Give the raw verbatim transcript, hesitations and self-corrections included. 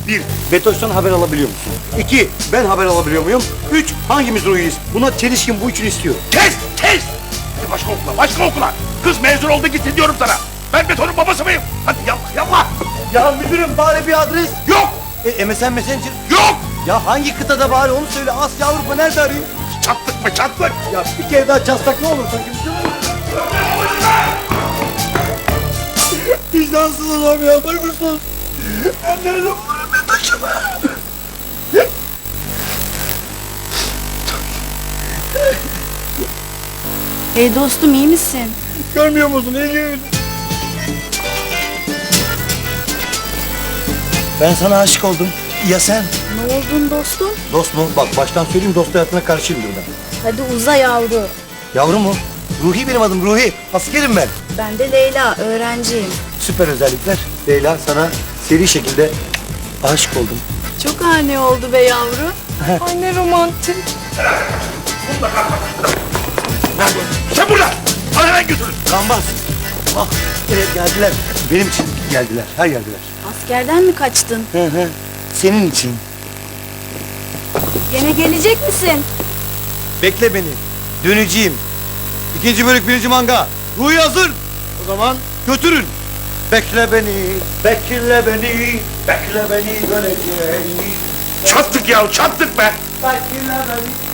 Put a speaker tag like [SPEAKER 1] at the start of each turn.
[SPEAKER 1] Bir, Betoş'tan haber alabiliyor musun? İki, ben haber alabiliyor muyum? Üç, hangimiz Ruhi'yiz? Buna çelişkin bu üçünü istiyor.
[SPEAKER 2] Kes! Kes! Hadi başka okula, başka okula. Kız mezun oldu gitsin diyorum sana. Ben Beton'un babası mıyım? Hadi yapma, yapma.
[SPEAKER 1] Ya müdürüm bari bir adres.
[SPEAKER 2] Yok!
[SPEAKER 1] E, M S N Messenger.
[SPEAKER 2] Yok!
[SPEAKER 1] Ya hangi kıtada bari onu söyle. Asya Avrupa nerede arayayım?
[SPEAKER 2] Çattık mı çattık?
[SPEAKER 1] Ya bir kere daha çalsak ne olur sanki? Vicdansız adam ya. Duygusuz. Ben nerede bulurum ben taşımı?
[SPEAKER 3] Hey dostum, iyi misin?
[SPEAKER 1] Görmüyor musun? İyi. Ben sana aşık oldum. Ya sen?
[SPEAKER 3] Ne oldun dostum?
[SPEAKER 1] Dost mu? Bak baştan söyleyeyim, dost hayatına karşıyımdır ben.
[SPEAKER 3] Hadi uza yavru.
[SPEAKER 1] Yavrum mu? Ruhi benim adım, Ruhi. Askerim ben.
[SPEAKER 3] Ben de Leyla, öğrenciyim.
[SPEAKER 1] Süper özellikler. Leyla, sana seri şekilde aşık oldum.
[SPEAKER 3] Çok ani oldu be yavru. Ay ne romantik.
[SPEAKER 2] Nerede? Sen burada! Al hemen götürün.
[SPEAKER 1] Gambaz. Bak, evet geldiler. Benim için geldiler, her geldiler.
[SPEAKER 3] Askerden mi kaçtın?
[SPEAKER 1] Hı hı. Senin için.
[SPEAKER 3] Gene gelecek misin?
[SPEAKER 1] Bekle beni. Döneceğim. İkinci bölük birinci manga. Ruhi hazır. O zaman götürün. Bekle beni, bekle beni, bekle beni döneceğim.
[SPEAKER 2] Çattık ya, çattık be.
[SPEAKER 1] Bekle beni.